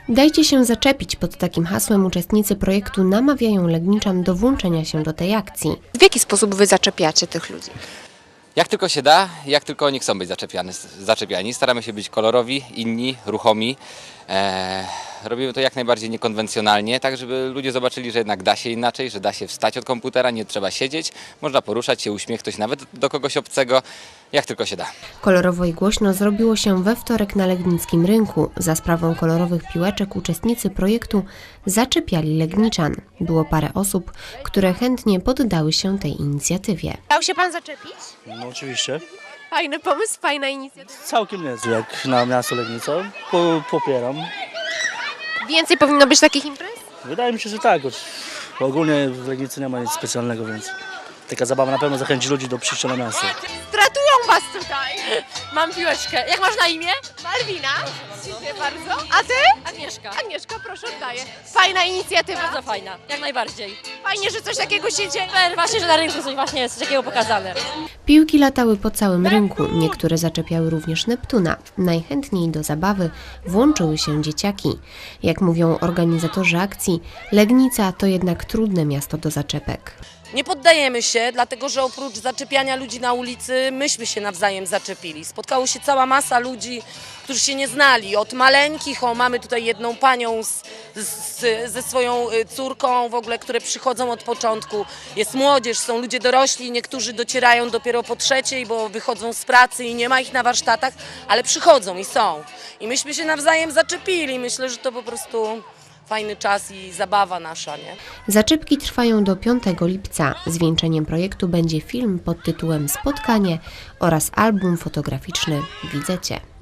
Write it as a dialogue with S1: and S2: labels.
S1: Dajcie się zaczepić, pod takim hasłem uczestnicy projektu namawiają Legniczan do włączenia się do tej akcji.
S2: W jaki sposób wy zaczepiacie tych ludzi?
S3: Jak tylko się da, jak tylko oni chcą być zaczepiani. Staramy się być kolorowi, inni, ruchomi. Robimy to jak najbardziej niekonwencjonalnie, tak żeby ludzie zobaczyli, że jednak da się inaczej, że da się wstać od komputera, nie trzeba siedzieć, można poruszać się, uśmiechnąć nawet do kogoś obcego, jak tylko się da.
S1: Kolorowo i głośno zrobiło się we wtorek na legnickim rynku. Za sprawą kolorowych piłeczek uczestnicy projektu zaczepiali Legniczan. Było parę osób, które chętnie poddały się tej inicjatywie.
S2: Dał się pan zaczepić?
S4: No oczywiście.
S2: Fajny pomysł, fajna inicjatywa.
S4: Całkiem niezły jak na miasto Legnica. Popieram.
S2: Więcej powinno być takich imprez?
S4: Wydaje mi się, że tak. Ogólnie w Legnicy nie ma nic specjalnego, więc taka zabawa na pewno zachęci ludzi do przyjścia na miasto.
S2: Stratują was tutaj. Mam piłeczkę. Jak masz na imię? Malwina. Dziękuję bardzo. A ty?
S5: Agnieszka.
S2: Agnieszka, proszę, oddaję. Fajna inicjatywa.
S5: Bardzo fajna, jak najbardziej.
S2: Fajnie, że coś takiego się dzieje.
S5: Super, właśnie, że na rynku coś właśnie jest takiego pokazane.
S1: Piłki latały po całym rynku, niektóre zaczepiały również Neptuna. Najchętniej do zabawy włączyły się dzieciaki. Jak mówią organizatorzy akcji, Legnica to jednak trudne miasto do zaczepek.
S6: Nie poddajemy się, dlatego że oprócz zaczepiania ludzi na ulicy, myśmy się nawzajem zaczepili. Spotkało się cała masa ludzi, którzy się nie znali. Od maleńkich, mamy tutaj jedną panią ze swoją córką w ogóle, które przychodzą od początku. Jest młodzież, są ludzie dorośli, niektórzy docierają dopiero po trzeciej, bo wychodzą z pracy i nie ma ich na warsztatach, ale przychodzą i są. I myśmy się nawzajem zaczepili. Myślę, że to po prostu fajny czas i zabawa nasza, nie?
S1: Zaczepki trwają do 5 lipca. Zwieńczeniem projektu będzie film pod tytułem Spotkanie oraz album fotograficzny Widzę Cię.